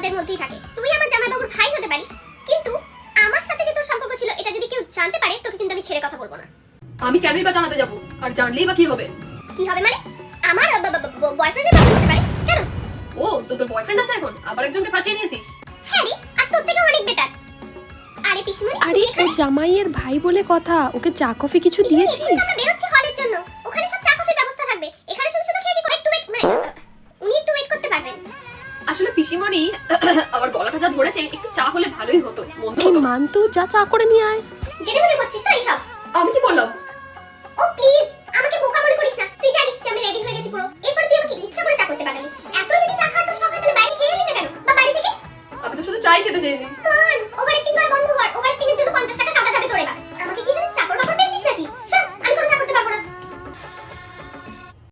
আমাদের মধ্যেই থাকে। তুই আমার জামাইবাবুর ভাই হতে পারিস, কিন্তু আমার সাথে যে তোর সম্পর্ক ছিল এটা যদি কেউ জানতে পারে তোকে কিন্তু আমি ছেড়ে কথা বলবো না। আমি কেনই বা জানাতে যাব? আর জানলেই বা কি হবে? কি হবে মানে? আমার বয়ফ্রেন্ডের ব্যাপার হতে পারে। কেন? ও তো তোর বয়ফ্রেন্ড আছে এখন, আবার একজনকে ফাঁসিয়ে নিয়েছিস? হ্যাঁ রে, আর তোর থেকে অনেক বেটার। আরে পিসমণি, আরে ও জামাইয়ের ভাই বলে কথা, ওকে চা কফি কিছু দিয়েছিস? আমরা বেরোচ্ছি হলের জন্য, ওখানে সব চা কফির ব্যবস্থা থাকবে। এখানে শুধু শুধু খেয়ে কি একটু ওয়েট মানে উনি একটু ওয়েট করতে পারবেন? আসলে পিসিমণি আমার গলাটা যা ধরেছে, একটু চা হলে ভালোই হতো। মন্দ এই হতো। মান্তু, যা চা করে নিয়ে আয়। জেনে বুঝে করছিস তো এইসব? আমি কি করলাম? ও প্লিজ, আমাকে বোকা মনে করিস না। তুই জানিস যে আমি রেডি হয়ে গেছি পুরো। এরপরে তুই আমাকে ইচ্ছা করে চা করতে পারবি। এত যদি চা খাওয়ার তো শখ হয় তাহলে বাইরে খেয়ে এলি না কেন? বা বাড়ি থেকে? আমি তো শুধু চাই খেতে চেয়েছি।